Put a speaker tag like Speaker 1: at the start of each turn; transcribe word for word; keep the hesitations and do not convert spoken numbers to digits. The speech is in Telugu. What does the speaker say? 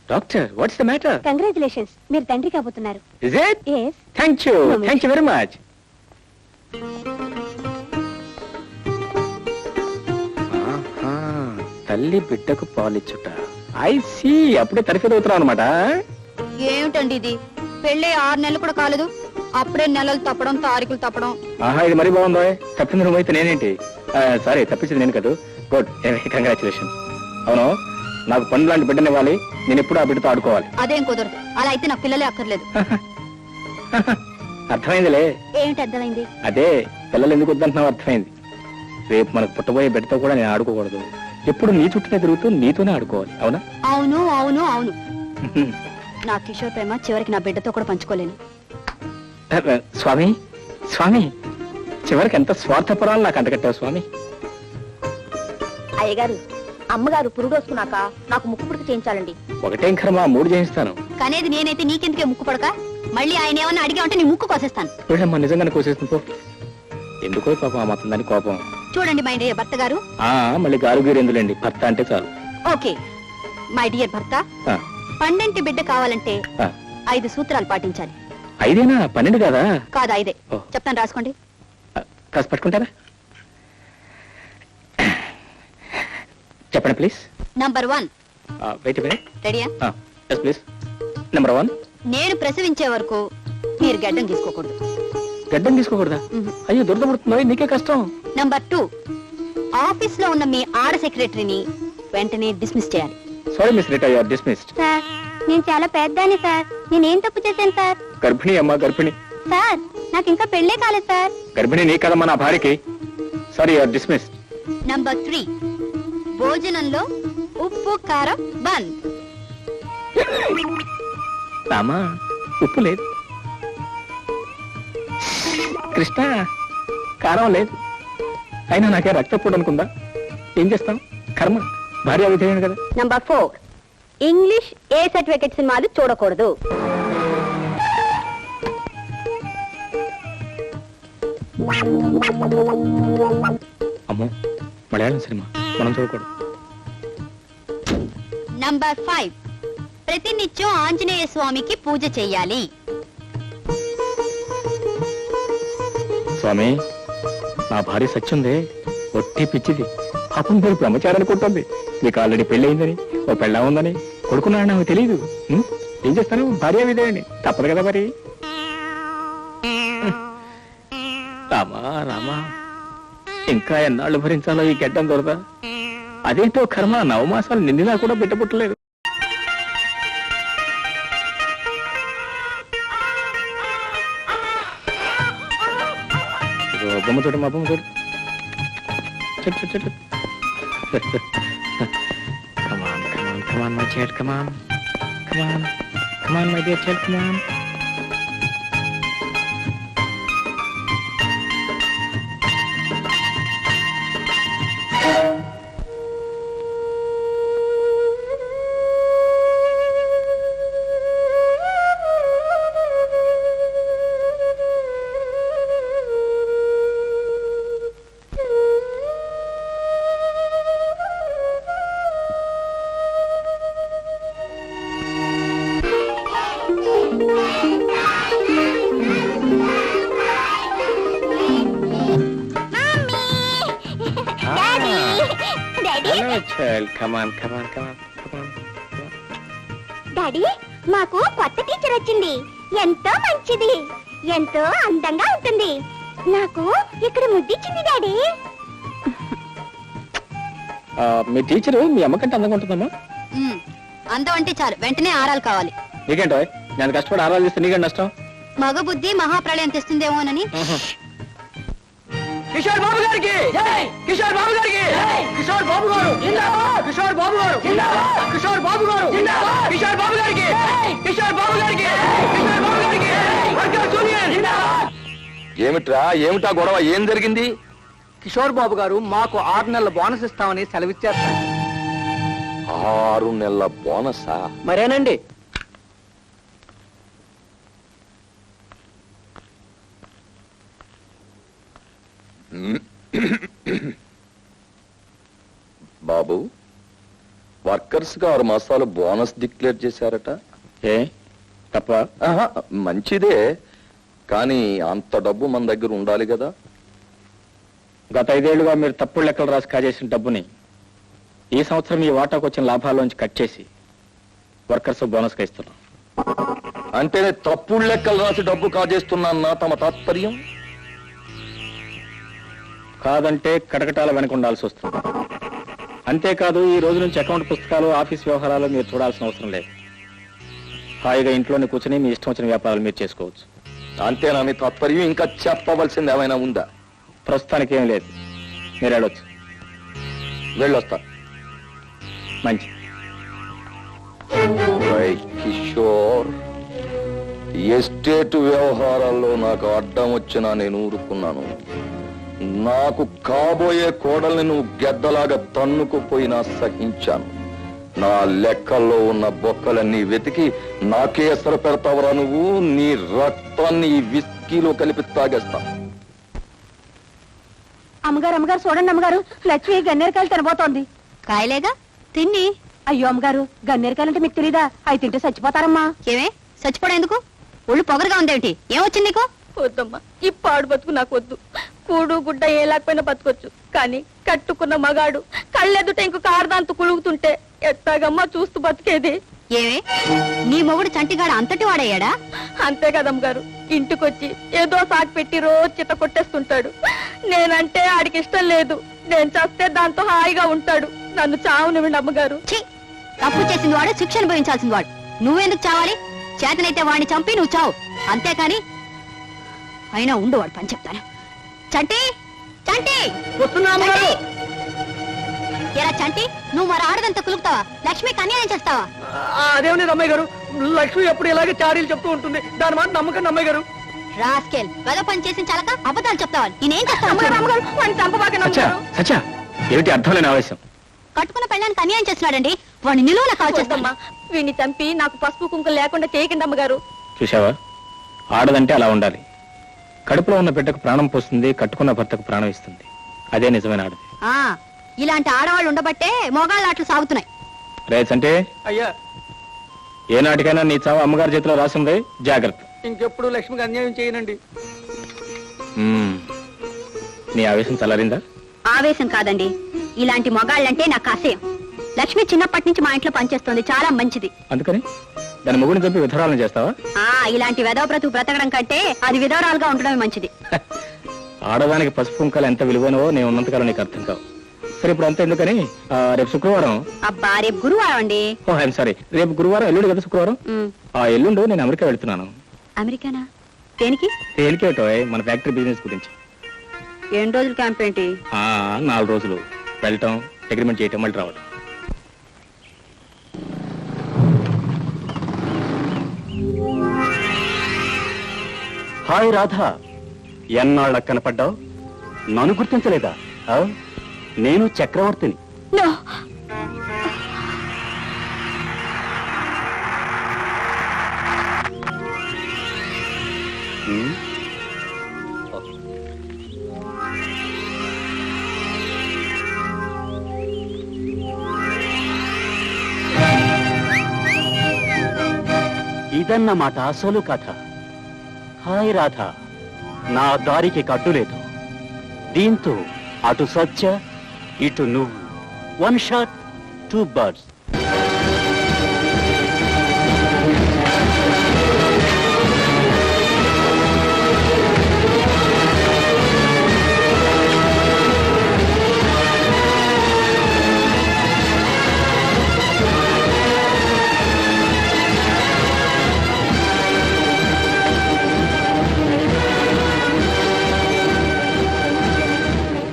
Speaker 1: Doctor what's the matter?
Speaker 2: Congratulations, మీరు తండ్రి కాబోతున్నారు.
Speaker 1: Is it?
Speaker 2: yes.
Speaker 1: Thank you thank you very much. తల్లి బిడ్డకు పాలిచ్చుట. ఐ సీ, అప్పుడే తరఫీదు అవుతున్నావు అనమాట.
Speaker 2: ఏమిటండి ఇది, పెళ్ళి ఆరు నెలలు కూడా కాలేదు, అప్పుడే నెలలు తప్పడం తారీఖులు తప్పడం.
Speaker 1: ఆహా, ఇది మరీ బాగుందో. తప్పింది నువ్వు అయితే నేనేంటి? సారీ, తప్పించింది నేను కదా. Good, congratulation. అవును, నాకు పని లాంటి బిడ్డనివ్వాలి, నేను ఎప్పుడు ఆ బిడ్డతో ఆడుకోవాలి.
Speaker 2: అదేం కుదరదు, అలా అయితే నాకు పిల్లలే అక్కర్లేదు.
Speaker 1: అర్థమైందిలే.
Speaker 2: ఏమిటి అర్థమైంది?
Speaker 1: అదే, పిల్లలు ఎందుకు వద్దంటున్నావు అర్థమైంది. రేపు మనకు పుట్టబోయే బిడ్డతో కూడా నేను ఆడుకోకూడదు, ఎప్పుడు నీ చుట్టూనే తిరుగుతూ నీతోనే ఆడుకోవాలి. అవునా?
Speaker 2: అవును అవును అవును. నా కిషోర్ ప్రేమ చివరికి నా బిడ్డతో కూడా పంచుకోలేను.
Speaker 1: స్వామి స్వామి, చివరికి ఎంత స్వార్థపరాలు నాకు అంటగట్టావు స్వామి.
Speaker 2: అయ్యగారు, అమ్మగారు పురుడోసుకున్నాక నాకు ముక్కు పుడక చేయించాలండి.
Speaker 1: ఒకటేం కర్మ, మూడు చేయిస్తాను.
Speaker 2: కనేది నేనైతే నీకెందుకే ముక్కు పడక? మళ్ళీ ఆయన ఏమన్నా అడిగా ఉంటే నీ ముక్కు కోసేస్తాను.
Speaker 1: వీళ్ళమ్మా, నిజంగానే కోసేస్తుంది పో. ఎందుకో పాపం ఆ మాత్రం దాని కోపం.
Speaker 2: చూడండి మై డియర్ భర్త గారు.
Speaker 1: ఆ మళ్ళీ గారు గీరు ఎందులేండి, భర్త అంటే చాలు.
Speaker 2: ఓకే మై డియర్ భర్త,
Speaker 1: ఆ,
Speaker 2: పండంటి బిడ్డ కావాలంటే
Speaker 1: ఆ.
Speaker 2: ఐదు సూత్రాలు పాటించాలి.
Speaker 1: ఐదేనా? పన్నెండు కాదా?
Speaker 2: కాదు ఐదే.
Speaker 1: ఓ.
Speaker 2: చెప్తాను రాసుకోండి.
Speaker 1: ఆ, కాస్త పట్టుకుంటారా? చెప్పండి please.
Speaker 2: Number one.
Speaker 1: Wait wait.
Speaker 2: రెడీయా?
Speaker 1: Yes please. నెంబర్ వన్,
Speaker 2: నేను ప్రసవించే వరకు మీరు గడ్డం తీసుకోకూడదు.
Speaker 1: గడ్డం తీసుకోకూడదా?
Speaker 2: మ్మ్.
Speaker 1: అయ్యో, దురద పుడుతుందో, నీకే కష్టం.
Speaker 2: నంబర్ టూ, ఆఫీస్ లో ఉన్న మీ ఆడ సెక్రటరీని వెంటనే డిస్మిస్ చేయాలి.
Speaker 1: Sorry miss Rita, you are dismissed.
Speaker 2: Sir, నేను చాలా పెద్దాన్ని సార్, నేనేం తప్పు చేశాను సార్?
Speaker 1: గర్భిణి అమ్మా, గర్భిణి.
Speaker 2: సార్, నాకు ఇంకా పెళ్ళే కాలేదు సార్.
Speaker 1: గర్భిణి నీ కదమ్మా, నా భార్యకి. Sorry, you are dismissed.
Speaker 2: Number three, భోజనంలో ఉప్పు కారం బంద్.
Speaker 1: రామా, ఉప్పు లేదు. కృష్ణ, కారం లేదు. అయినా నాకే రక్తపోటు అనుకుందా? ఏం చేస్తాం, కర్మ. భార్య విధేయుడు కదా.
Speaker 2: Number four, English A certificate సినిమాలు చూడకూడదు.
Speaker 1: అమ్మో, మలయాళం సినిమా మనం చూడకూడదు.
Speaker 2: నంబర్ ఫైవ్, ప్రతినిత్యం ఆంజనేయ స్వామికి పూజ చెయ్యాలి.
Speaker 1: స్వామి, నా భార్య సత్యుందే, ఒట్టి పిచ్చిది. పాపం పేరు బ్రహ్మచారి అనుకుంటుంది. నీకు ఆల్రెడీ పెళ్లి అయిందని, ఓ పెళ్ళా ఉందని, కొడుకున్నాడు నాకు తెలియదు. ఉం? ఏం చేస్తాను, భార్య విధేయండి, తప్పదు కదా మరి. రామా రామా, ఇంకా ఎన్నాళ్ళు భరించాలో ఈ గడ్డం దొరదా? అదేంటో కర్మ, నవమాసాలు నిండినా కూడా బిడ్డ పుట్టలేదు. బొమ్మ చూడు, మా బొమ్మ చూడు. చెట్టు చెట్టు. Come on, come on, come on, my child, come on. Come on, come on, my dear child, come on. Hello, child. Come on, come on, come on, come on.
Speaker 2: Daddy, మాకు కొత్త టీచర్ వచ్చింది. ఎంతో మంచిది, ఎంతో అందంగా ఉంటుంది. నాకు ఇక్కడ ముద్దిచ్చింది డాడీ.
Speaker 1: మీ టీచరు మీ అమ్మకంటే అందంగా ఉంటుందమ్మా?
Speaker 2: అందం అంటే చాలు, వెంటనే ఆరాలు కావాలి.
Speaker 1: నీకేంటో, నేను కష్టపడి ఆరాలు చేస్తే నీకేంటి నష్టం?
Speaker 2: మగ బుద్ధి మహాప్రళయం తెస్తుందేమోనని.
Speaker 1: కిషోర్ బాబు గారికి, కిషోర్ బాబు గారికి, కిషోర్ బాబు గారు, కిషోర్ బాబు గారు, కిషోర్ బాబు గారు, కిషోర్ బాబు గారికి, కిషోర్ బాబు గారికి, కిషోర్ బాబు గారికి.
Speaker 3: ఏమిట్రా, ఏమిటా గొడవ, ఏం జరిగింది?
Speaker 4: కిషోర్ బాబు గారు మాకు ఆరు నెలల బోనస్ ఇస్తామని సెలవిచ్చారు.
Speaker 3: ఆరు నెలల బోనసా?
Speaker 4: మరేనండి.
Speaker 3: బాబు, వర్కర్స్ కి ఆరు మాసాలు బోనస్ డిక్లేర్ చేశారట.
Speaker 1: ఏ తప్ప?
Speaker 3: ఆహా, మంచిదే, కానీ అంత డబ్బు మన దగ్గర ఉండాలి కదా.
Speaker 1: గత ఐదేళ్లుగా మీరు తప్పుడు లెక్కలు రాసి కాజేసిన డబ్బుని ఈ సంవత్సరం ఈ వాటాకు వచ్చిన లాభాల్లోంచి కట్ చేసి వర్కర్స్ బోనస్గా ఇస్తున్నాం.
Speaker 3: అంటే నేను తప్పుడు లెక్కలు రాసి డబ్బు కాజేస్తున్నా తమ తాత్పర్యం?
Speaker 1: కాదంటే కటకటాల వెనక ఉండాల్సి వస్తుంది. అంతేకాదు ఈ రోజు నుంచి అకౌంట్ పుస్తకాలు ఆఫీస్ వ్యవహారాలు మీరు చూడాల్సిన అవసరం లేదు. హాయిగా ఇంట్లోనే కూర్చొని మీ ఇష్టం వచ్చిన వ్యాపారాలు మీరు చేసుకోవచ్చు.
Speaker 3: అంతేనా మీ తాత్పర్యం? ఇంకా చెప్పవలసింది ఏమైనా ఉందా?
Speaker 1: ప్రస్తుతానికి ఏం లేదు, మీరు వెళ్ళొచ్చు.
Speaker 3: వెళ్ళొస్తా.
Speaker 1: మంచి
Speaker 3: కిషోర్, ఎస్టేట్ వ్యవహారాల్లో నాకు అడ్డం వచ్చినా నేను ఊరుకున్నాను. నాకు కాబోయే కోడల్ని నువ్వు గెద్దలాగా తన్నుకుపోయినా సహించాను. నా లెక్కల్లో ఉన్న బొక్కలన్నీ వెతికి నాకే ఎసరు పెడతావరా నువ్వు? నీ రక్తాన్ని ఈ విస్కీలో కలిపి తాగేస్తా.
Speaker 5: అమ్మగారు అమ్మగారు చూడండి అమ్మగారు, లక్ష్మి గన్నేరకాయలు తినబోతోంది.
Speaker 2: కాయలేగా తిన్ని.
Speaker 5: అయ్యో అమ్మగారు, గన్నేరకాయలు అంటే మీకు తెలీదా? అవి తింటే చచ్చిపోతారమ్మా.
Speaker 2: ఏమే చచ్చిపోవడం ఎందుకు? ఒళ్ళు పొగరుగా ఉందేమిటి? ఏమొచ్చింది నీకు?
Speaker 5: వద్దమ్మా, ఈ పాడు బతుకు నాకు వద్దు. కూడు గుడ్డ ఏ లేకపోయినా బతకొచ్చు, కానీ కట్టుకున్న మగాడు కళ్ళెదుట ఇంకో కారదాంతు కులుగుతుంటే ఎట్టాగమ్మా చూస్తూ బతికేది?
Speaker 2: ఏమే నీ మొగుడు చంటిగాడు అంతటి వాడయ్యాడా?
Speaker 5: అంతే కదమ్మగారు, ఇంటికొచ్చి ఏదో సాకు పెట్టి రోజు చిత్త కొట్టేస్తుంటాడు. నేనంటే ఆడికి ఇష్టం లేదు. నేను చస్తే దాంతో హాయిగా ఉంటాడు. నన్ను చావునివ్వండి అమ్మగారు.
Speaker 2: ఛీ, తప్పు చేసింది వాడు, శిక్ష అనుభవించాల్సింది వాడు. నువ్వెందుకు చావాలి? చేతనైతే వాడిని చంపి నువ్వు చావు, అంతేకాని అయినా ఉండు వాడు పని చెప్తాను. చంటి చంటి
Speaker 4: వస్తున్నా అమ్మగారు.
Speaker 2: ఎరా చంటి, నువ్వు మరి ఆడదంతా కులుకుతావా? లక్ష్మికి అన్యాయం చేస్తావా?
Speaker 4: అదేమని అమ్మాయి గారు, లక్ష్మి ఎప్పుడు ఇలాగే చాడీలు చెప్తూ ఉంటుంది. దాని మాట నమ్మకండి అమ్మాయి గారు.
Speaker 2: రాస్కెల్, వెద పని చేసిన చాలక అబద్ధాలు చెప్తావా? నేనేం చేస్తాను?
Speaker 1: సత్య సత్య ఏమిటి అర్థం లేని ఆవేశం?
Speaker 2: కట్టుకున్న పెళ్ళానికి అన్యాయం చేస్తున్నాడండి. వాడిని నిలువున కాల్ చేస్తామా?
Speaker 5: వీడిని చంపి నాకు పసుపు కుంకుమ లేకుండా చేయకండి అమ్మగారు.
Speaker 1: చూసావా, ఆడదంటే అలా ఉండాలి. కడుపులో ఉన్న బిడ్డకు ప్రాణం పోస్తుంది, కట్టుకున్న భర్తకు ప్రాణం ఇస్తుంది. అదే నిజమైన ఆడది.
Speaker 2: ఆ ఇలాంటి ఆడవాళ్ళు ఉండబట్టే మొగాళ్ళ ఆటలు సాగుతున్నాయి.
Speaker 1: రేట్స్ అంటే
Speaker 4: అయ్యా,
Speaker 1: ఏ నాటికైనా నీ చావు అమ్మగారి చేతిలో రాసింది, జాగ్రత్త.
Speaker 4: ఇంకెప్పుడు లక్ష్మికి అన్యాయం చేయనండి.
Speaker 1: మ్మ్. నీ ఆవేశం చల్లారిందా?
Speaker 2: ఆవేశం కాదండి, ఇలాంటి మొగాళ్ళంటే నాకు అసహ్యం. లక్ష్మి చిన్నప్పటి నుంచి మా ఇంట్లో పనిచేస్తుంది, చాలా మంచిది.
Speaker 1: అందుకని దాని మొగుడిని చంపి విధరాలను చేస్తావా?
Speaker 2: ఆ ఇలాంటి వెధవ బ్రతుకు బ్రతకడం కంటే అది విధవరాలుగా ఉండడమే మంచిది.
Speaker 1: ఆడదానికి పసుపు కుంకాలు ఎంత విలువైనవో నేను ఉన్నంతకాలం నీకు అర్థం కావు. సరే ఇప్పుడు అంతా ఎందుకని, ఆ, రేపు శుక్రవారం.
Speaker 2: అబ్బా రేపు గురువారం అండి.
Speaker 1: ఓ ఐఎమ్ సారీ, రేపు గురువారం, ఎల్లుండి కదా శుక్రవారం.
Speaker 2: ఉమ్,
Speaker 1: ఆ ఎల్లుండు నేను అమెరికా వెళ్తున్నాను.
Speaker 2: అమెరికానా? దేనికి?
Speaker 1: తేలికేటో మన ఫ్యాక్టరీ బిజినెస్ గురించి.
Speaker 2: ఎన్ని రోజులు క్యాంప్ ఏంటి?
Speaker 1: ఆ నాలుగు రోజులు వెళ్ళటం, అగ్రిమెంట్ చేయటం, మళ్ళీ రావడం.
Speaker 6: హాయ్ రాధా, ఎన్నాళ్ళ కనపడ్డావు? నన్ను గుర్తించలేదా? ఆ? నేను చక్రవర్తిని.
Speaker 2: నో.
Speaker 6: ఉమ్, ఇదన్నమాట అసలు కథ. హాయ్ రాధా, నా దారికి కట్టు లేదు. దీంతో అటు సత్య, ఇటు నువ్వు. One shot two birds.